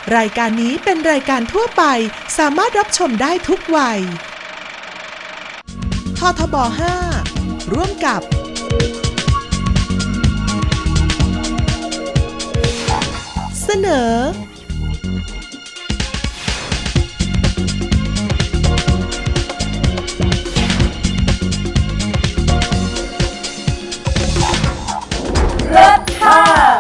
รายการนี้เป็นรายการทั่วไปสามารถรับชมได้ทุกวัยททบ 5 ร่วมกับเสนอเลิศค่ะ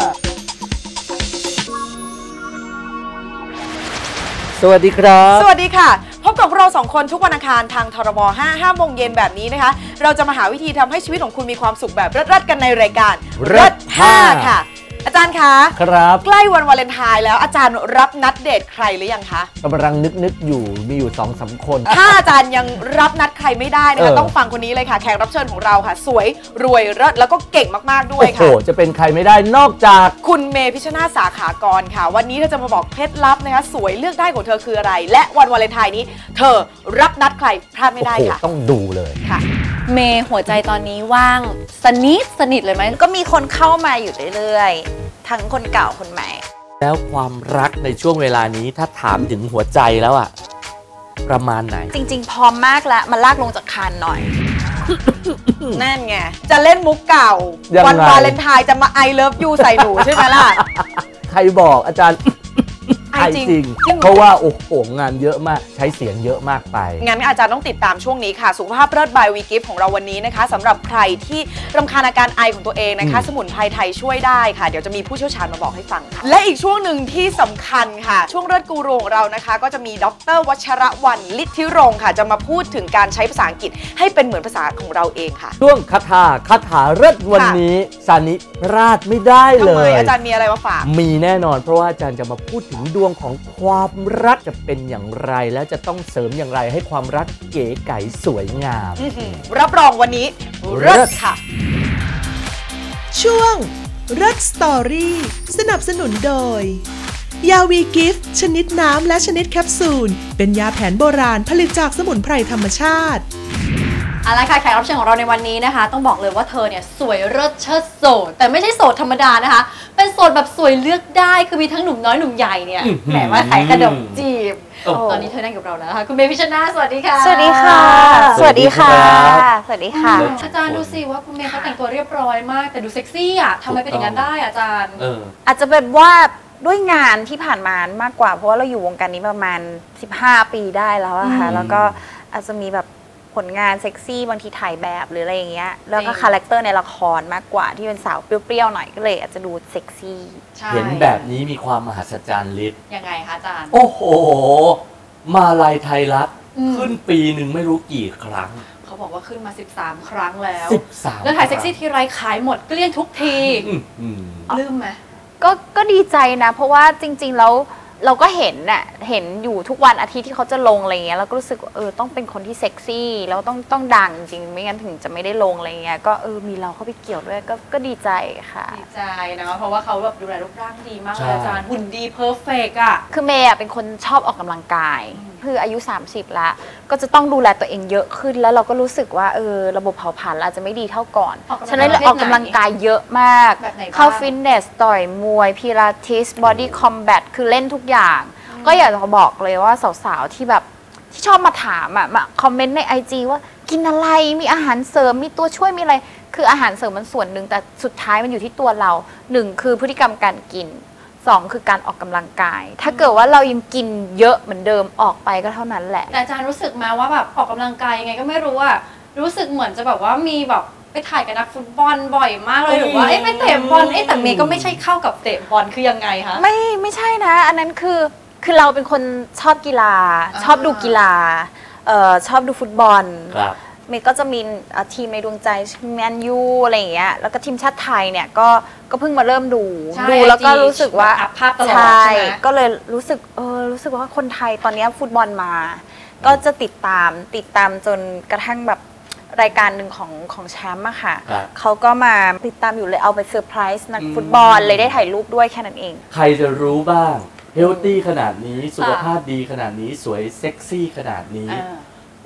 สวัสดีครับสวัสดีค่ะพบกับเรา2คนทุกวันอังคารทางทรบ 5 โมงเย็นแบบนี้นะคะเราจะมาหาวิธีทำให้ชีวิตของคุณมีความสุขแบบเลิศๆกันในรายการเลิศ5ค่ะอาจารย์คะครับใกล้วันวาเลนไทน์แล้วอาจารย์รับนัดเดทใครหรือยังคะกำลังนึกอยู่มีอยู่ 2-3 คนถ้าอาจารย์ยังรับนัดใครไม่ได้นะคะต้องฟังคนนี้เลยค่ะแขกรับเชิญของเราค่ะสวยรวยเลิศแล้วก็เก่งมากๆด้วยค่ะโอ้โหจะเป็นใครไม่ได้นอกจากคุณเมย์พิชนาธิ์สาขากรค่ะวันนี้เธอจะมาบอกเคล็ดลับนะคะสวยเลือกได้ของเธอคืออะไรและวันวาเลนไทน์นี้เธอรับนัดใครพลาดไม่ได้ค่ะต้องดูเลยค่ะเมย์หัวใจตอนนี้ว่างสนิทเลยไหมก็มีคนเข้ามาอยู่เรื่อยๆทั้งคนเก่าคนใหม่แล้วความรักในช่วงเวลานี้ถ้าถามถึงหัวใจแล้วอะประมาณไหนจริงๆพร้อมมากแล้วมาลากลงจากคานหน่อยนั่นไงจะเล่นมุกเก่าวันวาเลนไทน์จะมา I love you ใส่หนูใช่ไหมล่ะใครบอกอาจารย์ไอจริงเพราะว่าโอ้โหงานเยอะมากใช้เสียงเยอะมากไปงั้นอาจารย์ต้องติดตามช่วงนี้ค่ะสุขภาพเลิศบายวีกิฟต์ของเราวันนี้นะคะสำหรับใครที่รำคาญอาการไอของตัวเองนะคะสมุนไพรไทยช่วยได้ค่ะเดี๋ยวจะมีผู้เชี่ยวชาญมาบอกให้ฟังค่ะและอีกช่วงหนึ่งที่สำคัญค่ะช่วงเลิศกูรูของเรานะคะก็จะมีดร.วัชรวรรณ ฤทธิรงค์ค่ะจะมาพูดถึงการใช้ภาษาอังกฤษให้เป็นเหมือนภาษาของเราเองค่ะช่วงคาถาเลิศวันนี้ซานิพลาดไม่ได้เลยอาจารย์มีอะไรมาฝากมีแน่นอนเพราะว่าอาจารย์จะมาพูดถึงดวงของความรักจะเป็นอย่างไรและจะต้องเสริมอย่างไรให้ความรักเก๋ไก๋สวยงามรับรองวันนี้เลิศค่ะช่วงเลิศสตอรี่สนับสนุนโดยยาวีกิฟต์ชนิดน้ำและชนิดแคปซูลเป็นยาแผนโบราณผลิตจากสมุนไพรธรรมชาติอะไรค่ะแขกรับเชิญของเราในวันนี้นะคะต้องบอกเลยว่าเธอเนี่ยสวยเลิศเชิดโสดแต่ไม่ใช่โสดธรรมดานะคะเป็นโสดแบบสวยเลือกได้คือมีทั้งหนุ่มน้อยหนุ่มใหญ่เนี่ยแหมมาขายขนมจีบตอนนี้เธอนั่งกับเราแล้วนะคะคุณเมย์พิชนาธิ์สวัสดีค่ะสวัสดีค่ะสวัสดีค่ะสวัสดีค่ะอาจารย์ดูสิว่าคุณเมย์เขาแต่งตัวเรียบร้อยมากแต่ดูเซ็กซี่อ่ะทำไมเป็นอย่างนั้นได้อาจารย์อาจจะเป็นว่าด้วยงานที่ผ่านมามากกว่าเพราะว่าเราอยู่วงการนี้ประมาณ15 ปีได้แล้วอะค่ะแล้วก็อาจจะมีแบบผลงานเซ็กซี่บางทีถ่ายแบบหรืออะไรอย่างเงี้ยแล้วก็คาแรคเตอร์ในละครมากกว่าที่เป็นสาวเปรี้ยวๆหน่อยก็เลยอาจจะดูเซ็กซี่เห็นแบบนี้มีความมหัศจรรย์ฤทธิ์ยังไงคะอาจารย์โอ้โหมาลัยไทยรัฐขึ้นปีหนึ่งไม่รู้กี่ครั้งเขาบอกว่าขึ้นมา13 ครั้งแล้ว 13 แล้วถ่ายเซ็กซี่ทีไรขายหมดเกลี้ยงทุกทีลืมไหมก็ดีใจนะเพราะว่าจริงๆแล้วเราก็เห็นอยู่ทุกวันอาทิตย์ที่เขาจะลงอะไรเงี้ยเราก็รู้สึกต้องเป็นคนที่เซ็กซี่แล้วต้องดังจริงไม่งั้นถึงจะไม่ได้ลงอะไรเงี้ยก็มีเราเข้าไปเกี่ยวด้วยก็ดีใจค่ะดีใจนะเพราะว่าเขาแบบดูแลรูปร่างดีมากเลยอาจารย์หุ่นดีเพอร์เฟกต์อ่ะคือเมย์เป็นคนชอบออกกำลังกายคืออายุ30ละก็จะต้องดูแลตัวเองเยอะขึ้นแล้วเราก็รู้สึกว่าระบบเผาผลาญอาจจะไม่ดีเท่าก่อนฉะนั้นเราออกกำลังกายเยอะมากเข้าฟิตเนสต่อยมวยพิลาทิสบอดี้คอมแบทคือเล่นทุกอย่างก็อยากจะบอกเลยว่าสาวๆที่แบบที่ชอบมาถามมาคอมเมนต์ใน IG ว่ากินอะไรมีอาหารเสริมมีตัวช่วยมีอะไรคืออาหารเสริมมันส่วนหนึ่งแต่สุดท้ายมันอยู่ที่ตัวเรา1คือพฤติกรรมการกิน2คือการออกกำลังกายถ้าเกิดว่าเรายังกินเยอะเหมือนเดิมออกไปก็เท่านั้นแหละแต่อาจารย์รู้สึกมาว่าแบบออกกำลังกายยังไงก็ไม่รู้อะรู้สึกเหมือนจะแบบว่ามีแบบไปถ่ายกับนักฟุตบอลบ่อยมากเลยหรือว่าไปเตะบอลแต่เมย์ก็ไม่ใช่เข้ากับเตะบอลคือยังไงคะไม่ใช่นะอันนั้นคือเราเป็นคนชอบกีฬาชอบดูกีฬาชอบดูฟุตบอลเมย์ก็จะมีทีมในดวงใจแมนยูอะไรอย่างเงี้ยแล้วก็ทีมชาติไทยเนี่ยก็เพิ่งมาเริ่มดูแล้วก็รู้สึกว่าใช่ก็เลยรู้สึกว่าคนไทยตอนนี้ฟุตบอลมาก็จะติดตามจนกระทั่งแบบรายการหนึ่งของแชมป์อะค่ะเขาก็มาติดตามอยู่เลยเอาไปเซอร์ไพรส์นักฟุตบอลเลยได้ถ่ายรูปด้วยแค่นั้นเองใครจะรู้บ้างเฮลตี้ขนาดนี้สุขภาพดีขนาดนี้สวยเซ็กซี่ขนาดนี้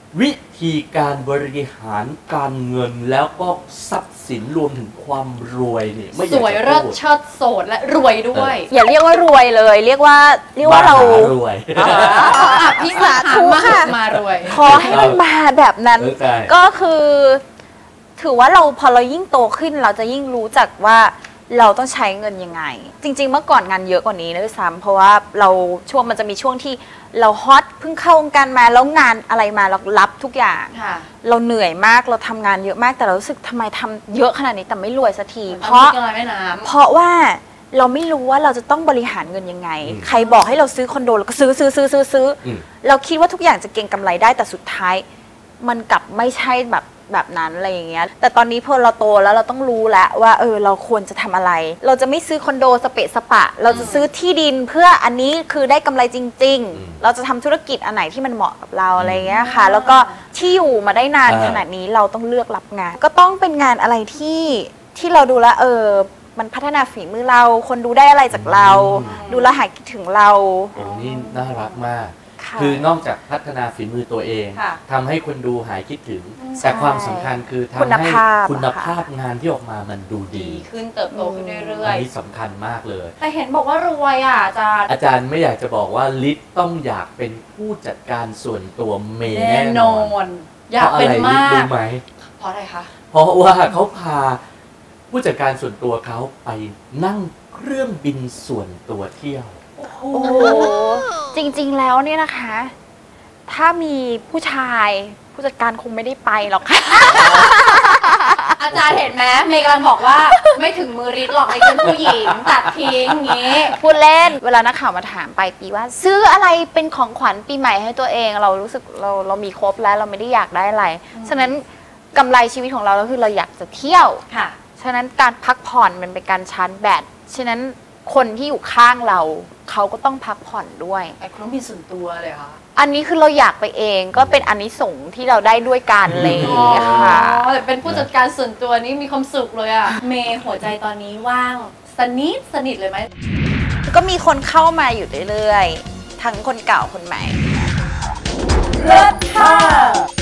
วิธีการบริหารการเงินแล้วก็ทรัพย์สินรวมถึงความรวยเนี่ยไม่อยากสจะวยเลิศพูดเชิดโสดและรวยด้วยอย่าเรียกว่ารวยเลย เรียกว่าเรามหารวยพี่สาธุค่ะมารวยขอให้มันมาแบบนั้นใช่ก็คือถือว่าพอเรายิ่งโตขึ้นเราจะยิ่งรู้จักว่าเราต้องใช้เงินยังไง จริงๆเมื่อก่อนงานเยอะกว่านี้นะด้วยซ้ำเพราะว่ามันจะมีช่วงที่เราฮอตเพิ่งเข้าวงการมาแล้วงานอะไรมาเรารับทุกอย่างค่ะเราเหนื่อยมากเราทำงานเยอะมากแต่เรารู้สึกทำไมทำเยอะขนาดนี้แต่ไม่รวยสักทีเพราะเพราะว่าเราไม่รู้ว่าเราจะต้องบริหารเงินยังไง ใครบอกให้เราซื้อคอนโดเราก็ซื้อเราคิดว่าทุกอย่างจะเก็งกำไรได้แต่สุดท้ายมันกลับไม่ใช่แบบนั้นอะไรอย่างเงี้ยแต่ตอนนี้พอเราโตแล้วเราต้องรู้แล้วว่าเราควรจะทำอะไรเราจะไม่ซื้อคอนโดสเปะสปะเราจะซื้อที่ดินเพื่ออันนี้คือได้กำไรจริงๆเราจะทำธุรกิจอันไหนที่มันเหมาะกับเราอะไรเงี้ยค่ะแล้วก็ที่อยู่มาได้นานขนาดนี้เราต้องเลือกรับงานก็ต้องเป็นงานอะไรที่เราดูแลมันพัฒนาฝีมือเราคนดูได้อะไรจากเราดูแลหายคิดถึงเราโอ้นี่น่ารักมากคือนอกจากพัฒนาฝีมือตัวเองทำให้คนดูหายคิดถึงแต่ความสำคัญคือทำให้คุณภาพงานที่ออกมามันดูดีขึ้นเติบโตขึ้นเรื่อยๆอันนี้สำคัญมากเลยแต่เห็นบอกว่ารวยอาจารย์ไม่อยากจะบอกว่าลิศต้องอยากเป็นผู้จัดการส่วนตัวเมย์แน่นอนอยากเป็นมากรู้ไหมเพราะอะไรคะเพราะว่าเขาพาผู้จัดการส่วนตัวเขาไปนั่งเครื่องบินส่วนตัวเที่ยวโอ้โหจริงๆแล้วเนี่ยนะคะถ้ามีผู้ชายผู้จัดการคงไม่ได้ไปหรอกค่ะอาจารย์เห็นไหมเมย์กำลังบอกว่าไม่ถึงมือริดหรอกไอ้เป็นผู้หญิงตัดทิ้งงี้พูดเล่นเวลานักข่าวมาถามไปปีว่าซื้ออะไรเป็นของขวัญปีใหม่ให้ตัวเองเรารู้สึกเรามีครบแล้วเราไม่ได้อยากได้อะไรฉะนั้นกำไรชีวิตของเราก็คือเราอยากจะเที่ยวค่ะฉะนั้นการพักผ่อนมันเป็นการชาร์จแบตฉะนั้นคนที่อยู่ข้างเราเขาก็ต้องพักผ่อนด้วยไอ้ต้องมีส่วนตัวเลยค่ะอันนี้คือเราอยากไปเองก็เป็นอานิสงส์ที่เราได้ด้วยกันเลยค่ะแต่เป็นผู้จัดการส่วนตัวนี้มีความสุขเลยอะเมย์หัวใจตอนนี้ว่างสนิทเลยไหมก็มีคนเข้ามาอยู่เรื่อยๆทั้งคนเก่าคนใหม่เลิศค่ะ